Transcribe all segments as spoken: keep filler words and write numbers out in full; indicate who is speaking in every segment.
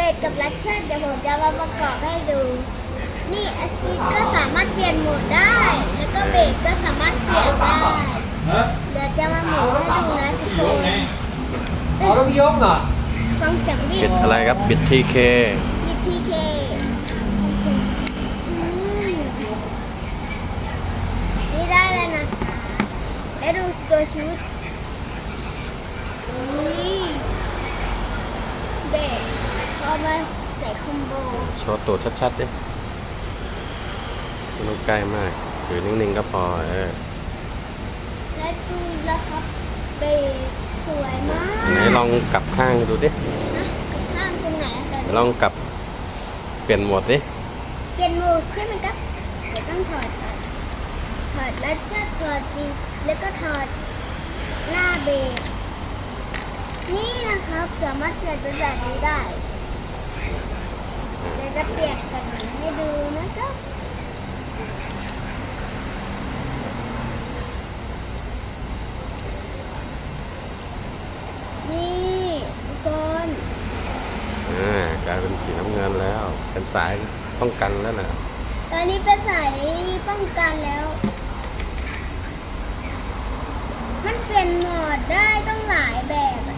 Speaker 1: สกับลัชเชอร์เดี๋ยวผมจะมาประกอบให้ดู นี่แอสซิสก็สามารถเปลี่ยนโหมดได้ แล้วก็เบสก็สามารถเปลี่ยนได้ เดี๋ยวจะมาหมุนให้ดูนะทุกคน
Speaker 2: อ๋อต้องยกเหรอ
Speaker 1: ฟังเสียงดิ
Speaker 3: บิดอะไรครับบิดทีเค
Speaker 1: บิดทีเคนี่ได้แล้วนะแล้วดูตัวชุดนี่เบสพอมาใส่คอมโบ
Speaker 3: โชว์ตัวชัดๆดิไม่ต้องใกล้มาก ถือนิ่งๆก็พอเออ
Speaker 1: และดูแล้วครับเบสสวยมาก
Speaker 3: ไหนลองกลับข้างดูดิ
Speaker 1: นะกับข้างตรงไหนอะแต่
Speaker 3: ลองกลับเปลี่ยนโหมดดิ
Speaker 1: เปลี่ยนโหมดใช่ไหมครับเดี๋ยวต้องถอดก่อนถอดแล้วจะถอดบีดแล้วก็ถอดหน้าเบสนี่นะครับสามารถเปลี่ยนเป็นแบบนี้ได้เดี๋ยวจะเปลี่ยนกันให้ดูนะครับนี่ทุกคน
Speaker 3: อ่ากลายเป็นสีน้ำเงินแล้ว เป็นสายป้องกันแล้วนะ
Speaker 1: ตอนนี้เป็นสายป้องกันแล้ว มันเปลี่ยนโหมดได้ต้องหลายแบบอะ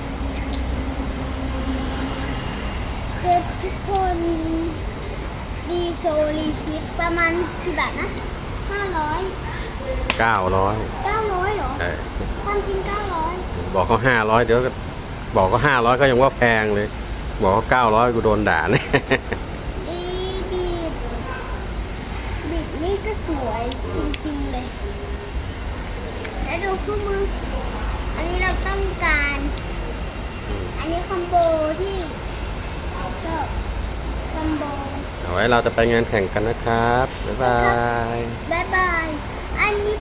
Speaker 1: เด็กทุกคนดีโซลีคิดประมาณกี่บาทนะห้าร้อย
Speaker 3: เก้าร้อย
Speaker 1: เก้าร้อยเหรอ
Speaker 3: เออ
Speaker 1: ความจริงเก้าร้อย
Speaker 3: บอกเขาห้าร้อยเดี๋ยวก็บอกเขาห้าร้อยก็ยังว่าแพงเลย บอกเขาเก้าร้อยกูโดนด่าเนี่ย
Speaker 1: อีบีดบิดนี่ก็สวยจริงๆเลย แล้วดูคู่มือ อันนี้เราต้องการ อันนี้คอมโบที่ชอบคอมโบ
Speaker 3: เอาไว้เราจะไปงานแข่งกันนะครับ บ๊ายบาย
Speaker 1: บ๊ายบาย อันนี้